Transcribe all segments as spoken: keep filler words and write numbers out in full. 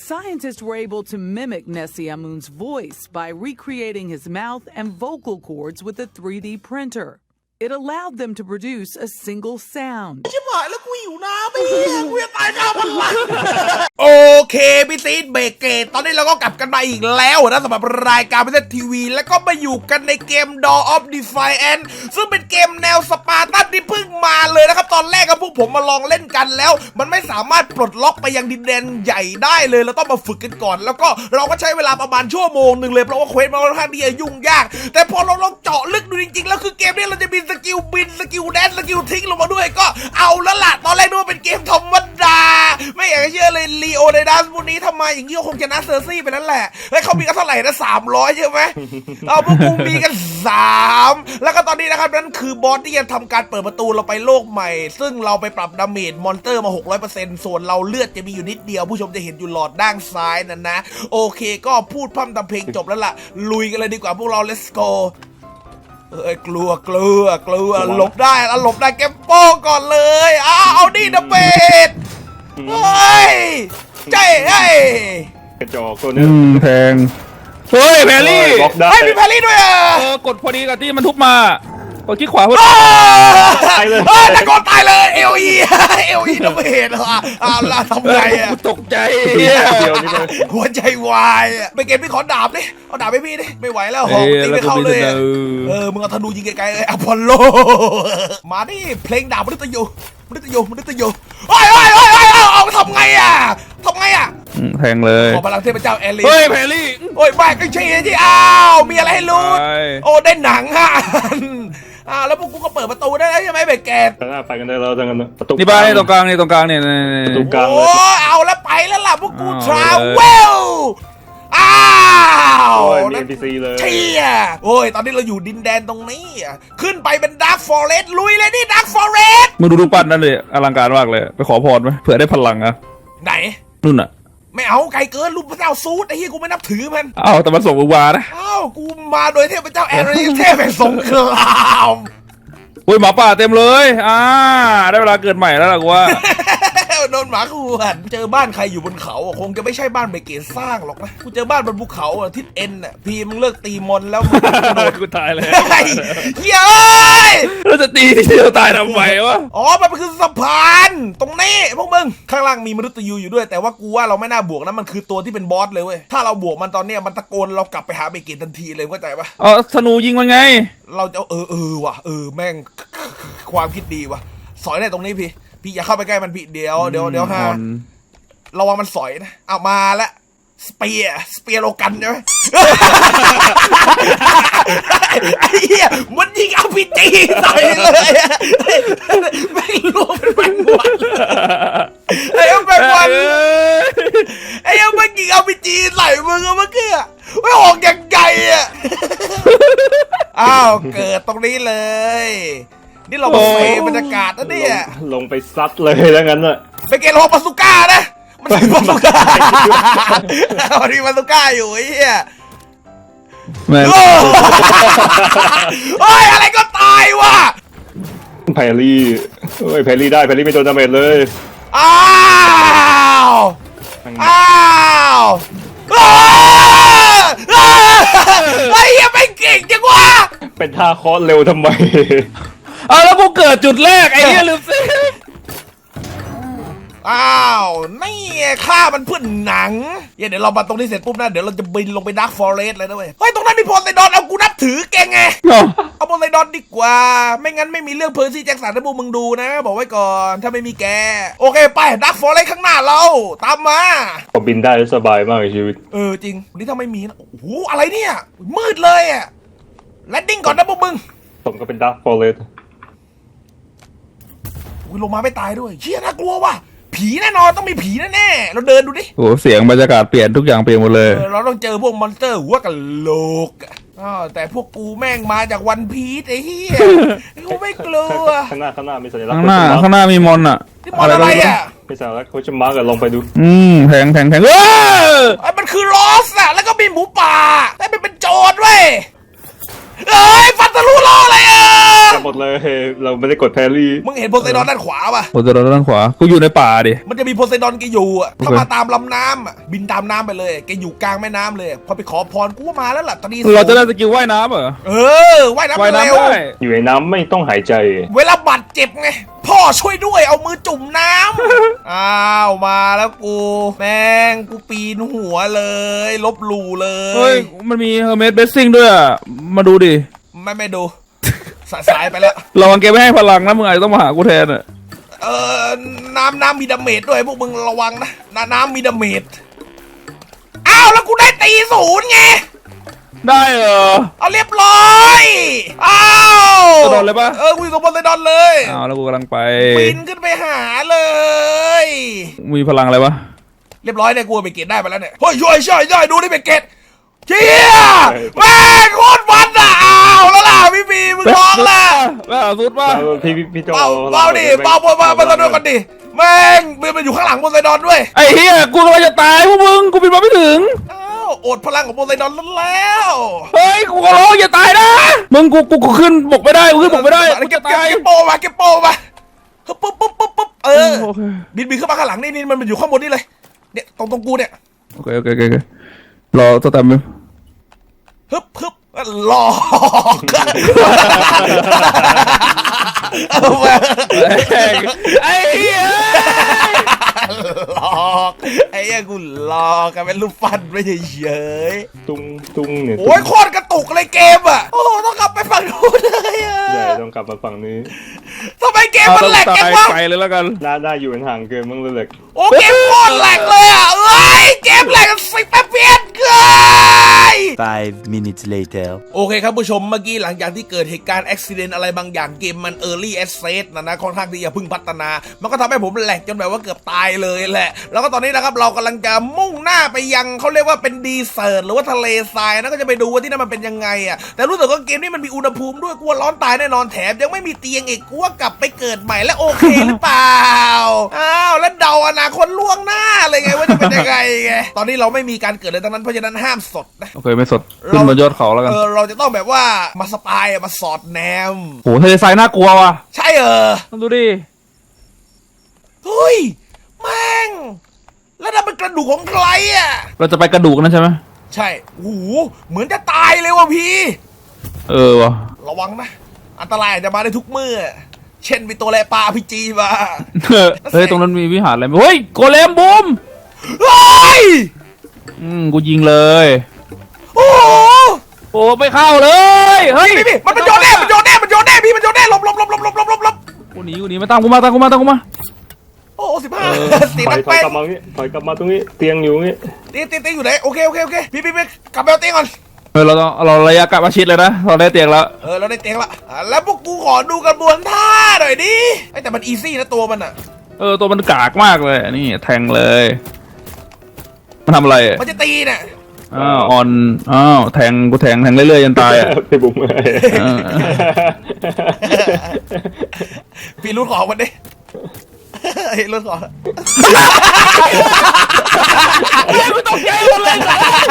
Scientists were able to mimic Nessie Amun's voice by recreating his mouth and vocal cords with a three D printer. It allowed them to produce a single sound. ชิบหายแล้วกูหิวน้ำไอ้เหี้ยกูจะตายข้าวมันละโอเคพี่ซีดเบรกเกตตอนนี้เราก็กลับกันมาอีกแล้วนะสำหรับรายการพิเศษทีวีแล้วก็มาอยู่กันในเกม Dawn of Defiance ซึ่งเป็นเกมแนวสปาร์ตันที่เพิ่งมาเลยนะครับตอนแรกกับพวกผมมาลองเล่นกันแล้วมันไม่สามารถปลดล็อกไปยังดินแดนใหญ่ได้เลยเราต้องมาฝึกกันก่อนแล้วก็เราก็ใช้เวลาประมาณชั่วโมงหนึ่งเลยเพราะว่าเควสมันค่อนข้างที่จะยุ่งยากแต่พอเราลองเจาะลึกดูจริงๆแล้วคือเกมนี้เราจะมีสกิลบินสกิลแดนสกิลทิ้งลงมาด้วยก็เอาแล้วล่ะตอนแรกนึกว่าเป็นเกมธรรมดาไม่อยากจะเชื่อเลยลีโอไดดัสพวกนี้ทำไมอย่างนี้ก็คงชนะเซอร์ซี่ไปนั่นแหละเฮ้ยเขามีกันเท่าไหร่นะสามร้อยใช่ไหมเอาพวกกูมีกันสามแล้วก็ตอนนี้นะครับนั่นคือบอสที่จะทำการเปิดประตูเราไปโลกใหม่ซึ่งเราไปปรับดาเมจมอนสเตอร์มา หกร้อยเปอร์เซ็นต์ ส่วนเราเลือดจะมีอยู่นิดเดียวผู้ชมจะเห็นอยู่หลอดด้านซ้ายนั่นนะโอเคก็พูดพร่ำทำเพลงจบแล้วล่ะลุยกันเลยดีกว่าพวกเรา let's goเอ้ยกลัวกลัวกลัวหลบได้แล้วหลบได้แกมโป้ก่อนเลยอ้าวเอาดิดับเบิลเฮ้ยใจเฮ้ยกระจอกตัวนี้แพงเฮ้ยแพรรี่ไอ้มีแพรรี่ด้วยอ่ะเออกดพอดีกับที่มันทุบมากดคลิกขวาเพื่อตายเลยเฮ้ยแต่ก็ตายเลยเอลอีเอลอีดับเบิลเหรออ้าวล่ะทำไงอ่ะตกใจหัวใจวายอ่ะไปเก็บพี่ขอดาบดิเอาดาบไปพี่ดิไม่ไหวแล้วหอกตีไม่เข้าเลยเออมึงเอาธนูยิงไกลๆเลยอพอลโลมาดิเพลงดาบมนุษย์ยูมนุษย์ยูมนุษย์ยูโอ้ยโอ้ยโอ้ยโอ้ยเอาทำไงอ่ะทำไงอ่ะแพงเลยขอพลังเทพเจ้าแอลลี่เฮ้ยแพรรี่โอ้ยบ้าก็ใช่ที่อ้าวมีอะไรให้รู้โอ้ได้หนังฮะอ้าวแล้วพวกกูก็เปิดประตูได้ใช่ไหมเบเกตไปกันได้แล้วจังกันประตูนี่ไปตรงกลางนี่ตรงกลางนี่ประตูกลางโอ้เอาแล้วไปแล้วล่ะพวกกูทราเวลอ้าวมี เอ็น พี ซี เลยเชี่ยโอ้ยตอนนี้เราอยู่ดินแดนตรงนี้ขึ้นไปเป็นดาร์คฟอเรสต์ลุยเลยนี่ดาร์คฟอเรสต์มึงดูรูปปั้นนั่นเลยอลังการมากเลยไปขอพรไหมเผื่อได้พลังอะไหนนู่นอะไม่เอาไกลเกินรูปพระเจ้าซูดไอ้เหี้ยกูไม่นับถือมันอ้าวแต่มันส่งมึงมานะอ้าวกูมาโดยเทพเจ้าแอริสเทพแห่งสงครามโอ้ยหมาป่าเต็มเลยอ่าได้เวลาเกิดใหม่แล้วล่ะกูว่าโดนหมาขวนเจอบ้านใครอยู่บนเขาคงจะไม่ใช่บ้านเบเกตสร้างหรอกนะกูเจอบ้านบนภูเขาทิศเอ็นอ่ะพี่มึงเลิกตีมอนแล้วมึงโดนกูตายเลยเฮ้ยเราจะตีที่เราตายทำไมวะอ๋อมันคือสะพานตรงนี้พวกมึงข้างล่างมีมนุษย์ยูอยู่ด้วยแต่ว่ากูว่าเราไม่น่าบวกนะมันคือตัวที่เป็นบอสเลยเว้ยถ้าเราบวกมันตอนเนี้ยมันตะโกนเรากลับไปหาเบเกตทันทีเลยเข้าใจปะอ๋อธนูยิงมันไงเราจะเออเออว่ะเออแม่งความคิดดีว่ะสอยได้ตรงนี้พี่พี่อย่าเข้าไปใกล้มันพี่เดี๋ยวเดี๋ยวเดี๋ยวฮะระวังมันสอยนะเอามาละสเปียร์สเปียร์โลกันใช่ไหมไอ้เหี้ยมันยิงเอาพีจีใส่เลยไม่รู้เป็นแมงวันไอ้แมงวันไอ้ยังมันยิงเอาพีจีใส่มึงเมื่อกี้ไม่ออกยังไงอ่ะอ้าวเกิดตรงนี้เลยนี่เราไปบรรยากาศนะเนี่ยลงไปซัดเลยแล้วงั้นน่ะไปเกลโลปาสุก้านะมันมีปาสุก้ามันมีปาสุก้าอยู่ไอ้เหี้ยโอ้ยอะไรก็ตายว่ะแพรรี่เฮ้ยแพรรี่ได้แพรรี่ไม่โดนดาเมจเลยอ้าวอ้าวไอ้เหี้ยไม่เก่งจังวะเป็นท่าคอสเร็วทำไมเอาแล้วกูเกิดจุดแรกไอ้เหี้ยลืมซิอ้าวนี่ฆ่ามันเพื่อนหนังเดี๋ยวเรามาตรงนี้เสร็จปุ๊บนะเดี๋ยวเราจะบินลงไปดาร์คฟอเรสต์เลยนะเว้ยเฮ้ยตรงนั้นมีโพไซดอนเอากูนับถือแกไงเอาโพไซดอนดีกว่าไม่งั้นไม่มีเรื่องเพอร์ซี่แจ็คสันให้พวกมึงดูนะบอกไว้ก่อนถ้าไม่มีแกโอเคไปดาร์คฟอเรสต์ข้างหน้าเราตามมาผมบินได้สบายมากในชีวิตเออจริงนี่ถ้าไม่มีนะโอ้โหอะไรเนี่ยมืดเลยอะแลนดิ้งก่อนนะพวกมึงผมก็เป็นดาร์คฟอเรสต์ลงมาไม่ตายด้วยเชี่ยน่ากลัวว่ะผีแน่นอนต้องมีผีแน่ๆเราเดินดูดิโอ้เสียงบรรยากาศเปลี่ยนทุกอย่างเปลี่ยนหมดเลยเราต้องเจอพวกมอนสเตอร์หัวกะโหลกอ๋อแต่พวกกูแม่งมาจากวันพีซไอ้เหี้ยกูไม่กลัวข้างหน้าข้างหน้ามีสัญลักษณ์ข้างหน้าข้างหน้ามีมอนอ่ะที่มอนอะไรอ่ะมีสัญลักษณ์โคชมาร์กลองไปดูอืมแพงแพงแพงเออไอ้มันคือลอสอะแล้วก็มีหมูป่าแต่เป็นเป็นโจรเว้ยเอ้ยฟันทะลุล้อเลยอ่ะหมดเลยเราไม่ได้กดแพรรี่มึงเห็นโพไซดอนด้านขวาป่ะโอ้จะโดนด้านขวากูอยู่ในป่าดิมันจะมีโพไซดอนแกอยู่อ่ะโอเคถ้ามาตามลำน้ำอ่ะบินตามน้ำไปเลยแกอยู่กลางแม่น้ำเลยพอไปขอพรกูว่ามาแล้วล่ะตอนนี้เราจะได้สกิลว่ายน้ำเหรอเออว่ายน้ำว่ายเร็น้ำวได้อยู่ในน้ำไม่ต้องหายใจเวลาบาดเจ็บไงพ่อช่วยด้วยเอามือจุ่มน้ำ อ้าวมาแล้วกูแม่งกูปีนหัวเลยลบหลู่เลเฮ้ยยมันมีเฮอร์เมสเบสซิ่งด้วยอะมาดูดิไม่ไม่ดู สายสายไปแล้วระวังแกไม่ให้พลังนะมึงอาจจะต้องมาหากูแทนอะเออน้ำน้ำมีดาเมจด้วยพวกมึงระวังนะน้ำน้ำมีดาเมจอ้าวแล้วกูได้ตีศูนย์ไงได้เหรอเอาเรียบร้อยอ้าวโพไซดอนเลยปะเออกูอยู่กับโพไซดอนเลยอ้าวแล้วกูกำลังไปปีนขึ้นไปหาเลยมีพลังอะไรวะเรียบร้อยเนี่ยกูเอาไปเกตได้ไปแล้วเนี่ยเฮ้ยช่วยช่วยช่วยดูนี่ไปเกตเชี่ยแม่งโคตรมันอ่ะอ้าวแล้วล่ะพี่บีมึงร้องล่ะล่าสุดป่ะพี่พี่พี่โจเบาเบาดิเบาบนมาบนตัวกันดิแม่งมันอยู่ข้างหลังโพไซดอนด้วยไอ้เฮียกูกำลังจะตายพวกมึงกูบินมาไม่ถึงอ้าวอดพลังของโพไซดอนแล้วเฮ้ยกูขอร้องอย่าตายนะมึงกูกูกูขึ้นบกไม่ได้กูขึ้นบกไม่ได้กูเก็บจะเก็บตายเก็บโปมาเก็บโปมาปุ๊บปุ๊บปุ๊บปุ๊บปุ๊บเออโอเคบินบินขึ้นมาข้างหลังนี่นี่มันอยู่ข้างบนนี่เลยเนี่ยตรงตรงกูเนี่ยโอเคโอเคโอเคโอเครอตัวตามมึงฮึบฮึบหลอกเอามาไอ้เหี้ยหลอกไอ้เหี้ยกูหลอกกันเป็นรูปฟันไม่เฉยตุ้งตุ้งเนี่ยๆโอ้ยโคตรกระตุกเลยเกมอ่ะโอ้ต้องกลับไปฝั่งนู้นเลยอ่ะใช่ต้องกลับมาฝั่งนี้ทำไมเกมมันแหลกตาจังยวะไปเลยแล้วกันน่าได้อยู่ห่างเกินมั้งเลยโอ้เกมโคตรแหลกเลยอ่ะเอ้ยเกมแหลกสิบแปดเพียนเกิน Five minutes later. โอเคครับผู้ชมเมื่อกี้หลังจากที่เกิดเหตุการณ์อุบิเหตุอะไรบางอย่างเกมมัน Early Access นะนะค่อนข้างที่จะเพึ่งพัฒนา มันก็ทำให้ผมแหลกจนแบบว่าเกือบตายเลยแหละ แล้วก็ตอนนี้นะครับเรากำลังจะมุ่งหน้าไปยังเขาเรียกว่าเป็นดีเซอร์หรือว่าทะเลทรายนะก็จะไปดูว่าที่นั่นมันเป็นยังไงอ่ะแต่รู้สึกว่าเกมนี้มันมีอุณหภูมิด้วยกลัวร้อนตายแน่นอนแถมยังไม่มีเตียงอีกกลัวกลับไปเกิดใหม่แล้วโอเคหรือเปล่าอ้าวแล้วเดาอนาคตล่วงหน้าเลยไงว่าจะเป็นยังไงไงตอนนี้เราไม่มีการเกิดเลยทั้งนั้นเพราะฉะนั้นห้ามสดนะโอเคไม่สดขึ้นบนยอดเขาแล้วกันเออเราจะต้องแบบว่ามาสปายอะมาสอดแนมโหทะเลทรายน่ากลัวว่ะใช่เออต้องดูดิเฮ้ยแม่งแล้วนั่นเป็นกระดูกของใครอ่ะเราจะไปกระดูกนั่นใช่ไหมใช่โอ้โหเหมือนจะตายเลยว่ะพี่เออว่ะระวังนะ อันตรายอาจจะมาได้ทุกเมื่อ เช่นมีตัวแลปลาพีจีมาเฮ้ยตรงนั้นมีวิหารอะไรไหมเฮ้ยโกเลมบูมเฮ้ยอืมกูยิงเลยโอ้โหโอ้ไม่เข้าเลยเฮ้ยพี่พี่มันมันโยนแน่มันโยนแน่มันโยนแน่พี่มันโยนแน่หลบหลบหลบหลบหลบหลบหลบหลบกูหนีกูหนีมาตามกูมาตามกูมาตามกูมาโอ้สิบห้าเออตีถอนัยกถอยแป้งกลับมาตรงนี้ถอยกลับมาตรงนี้เตียงอยู่นี่ตีตีตีอยู่ไหนโอเคโอเคโอเคพี่พี่พี่กลับไปเอาเตียงก่อนเฮ้ยเราต้องเราระยะกลับมาชิดเลยนะเราได้เตียงแล้วเออเราได้เตียงละอ่ะแล้วพวกกูขอดูกระบวนท่าหน่อยดิไอ้แต่มันอีซี่นะตัวมันอ่ะเออตัวมันกากมากเลยนี่แทงเลยมันทำอะไรอะมันจะตีน่ะอ้าวออนอ้าวแทงกูแทงแทงเรื่อยๆจนตายอ่ะไปบุ้มเลยเออพี่รุ่นของมันดิเฮ้ยรุ่นของไม่ต้องใจหมดเลย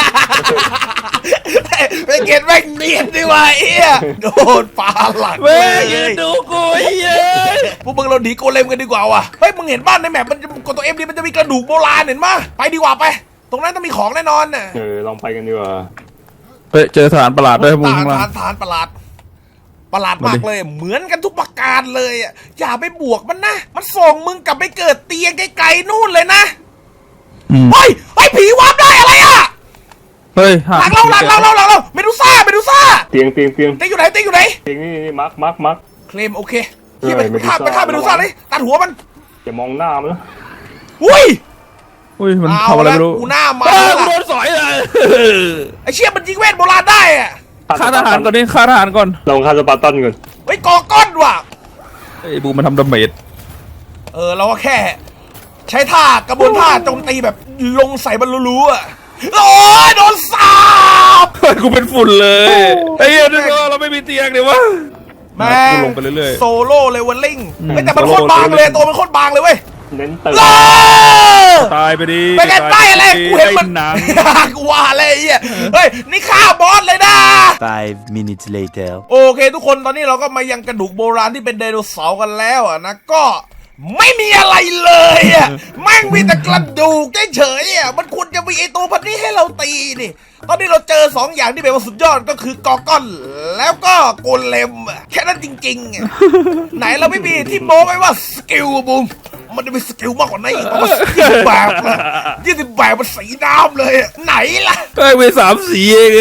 ไปเกตแม่งเนียนดีว่ะเอี้ยโดนปลาหลังเว้เลยยืนดูกูไอ้เย้ยพวกมึงเราหนีโกเลมกันดีกว่าว่ะเฮ้ยมึงเห็นบ้านในแมปมันจะกดตัวเอ็มดีมันจะมีกระดูกโบราณเห็นปะไปดีกว่าไป ตรงนั้นต้องมีของแน่นอนน่ะเออลองไปกันดีกว่าเฮ้ยเจอสถานประหลาดด้วยมึงฐานข้างล่าฐาง นฐานประหลาด ประหลาดมากเลย เหมือนกันทุกประการเลยอ่ะอย่าไปบวกมันนะมันส่งมึงกลับไปเกิดเตียงไกลๆนู่นเลยนะอืมเฮ้ยเฮ้ยผีวาร์ปได้อะไรอ่ะเฮ้ยหลังเราหลังเราหลังเราหลังเราเมดูซ่าเมดูซ่าเตียงเตียงเตียงเตียงอยู่ไหนเตียงอยู่ไหนเตียงนี่นี่มาร์คมาร์คมาร์คเคลมโอเคที่ไปเออไปฆ่า Medusa ไปฆ่าเมดูซ่าเลยตัดหัวมันอย่ามองหน้ามันนะอุ้ยอุ้ยมันเอาทำอะไรละไม่รู้กูหน้ามาเออแล้วกูล่ะโดนสอยเลยไอเชี่ยมันยิงเวทโบราณได้อะฆ่าทหารก่อนดิฆ่าทหารก่อนลองฆ่าสปาร์ตันก่อนเฮ้ยกอก้อนว่ะไอ้บูมมันทำดาเมจเออเราก็แค่ ใช้ท่ากระบวนท่าโจมตีแบบลงใส่บรรลุๆอ่ะโอ้ยโดนสาบเฮ้ยกูเป็นฝุ่นเลยไอ้เหี้ยนึกว่าเราไม่มีเตียงเดี๋ยววะแม่งลงไปเรื่อยๆโซโล่เลเวลลิ่งอืมเฮ้ยแต่มันโซโคโล่ตรบางเลยเลเวลลิ่งตัวมันโคตรบางเลยเว้ยเน้นเติมเลิกตายไปดิไปกันไปอะไรกูเห็นมันหนังกูว่าอะไรไอ้เหี้ยเฮ้ยนี่ฆ่าบอสเลยนะ Five minutes later. โอเคทุกคนตอนนี้เราก็มายังกระดูกโบราณที่เป็นไดโนเสาร์กันแล้วอะนะก็ไม่มีอะไรเลยอะแม่งมีแต่กระดูกเฉยๆอะมันควรจะมีไอตัวพันนี้ให้เราตีนี่ตอนนี้เราเจอสองอย่างที่เป็นว่าสุดยอดก็คือกอร์กอนแล้วก็โกเลมอะแค่นั้นจริงๆอะไหนเราไม่มีที่โม้ไว้ว่าสกิลบุ้มมันจะมีสกิลมากกว่านั้นอีกเพราะว่ายี่สิบแบบยี่สิบแบบมันสีน้ำเลยอะไหนล่ะเฮ้ยมีสามสีเองเอ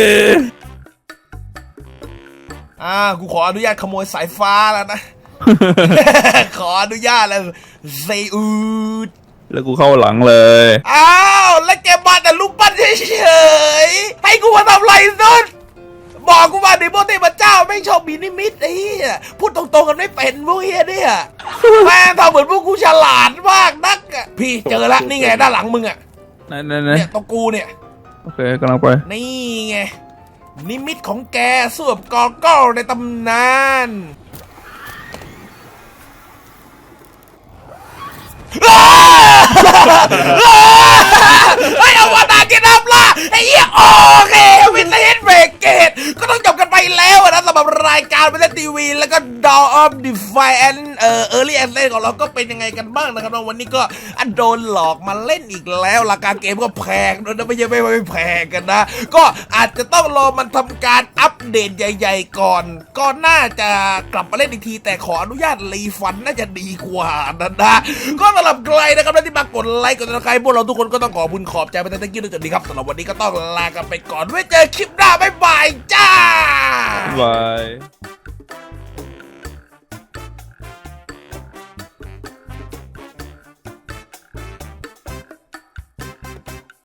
อ่ากูขออนุญาตขโมยสายฟ้าแล้วนะ ขออนุญาตแล้วเซอูดแล้วกูเข้าหลังเลยอ้าวแล้วแกมาแต่ลูกปั้นเฉยๆให้กูมาทำไรสุดบอกกูมาดิโมเทพเจ้าไม่ชอบมีนิมิตไอ้เหี้ยพูดตรงๆกันไม่เป็นพวกเฮียเนี่ยแม่งทำเหมือนพวกกูฉลาดมากนักอะพี่เจอแล้วนี่ไงด้านหลังมึงอะไหนไหนไหนเนี่ยตรงกูเนี่ยโอเคกำลังไปนี่ไงนิมิตของแกสวบกอร์กอลในตำนานไอ้เอาวานากินน้ำล่ะไอ้เหี้ยโอเควินเทจเบรกเกตก็ต้องจบกันไปแล้วนะสำหรับรายการเป็นทีวีแล้วก็ Dawn of Defiance เอ่อ Early Access ของเราก็เป็นยังไงกันบ้างนะครับวันนี้ก็อันโดนหลอกมาเล่นอีกแล้วราคาเกมก็แพงด้วยนะไม่ใช่ไม่ไม่แพงกันนะก็อาจจะต้องรอมันทำการอัปเดตใหญ่ๆก่อนก็น่าจะกลับมาเล่นอีกทีแต่ขออนุญาตรีฟันน่าจะดีกว่านะนะก็สำหรับใครนะครับที่มากดไลค์กดติดตามพวกเราทุกคนก็ต้องขอบคุณขอบใจไปตั้งแต่กี้ด้วยจุดนี้ครับสำหรับวันนี้ก็ต้องลากันไปก่อนไว้เจอคลิปหน้าบ๊ายบายจ้าบาย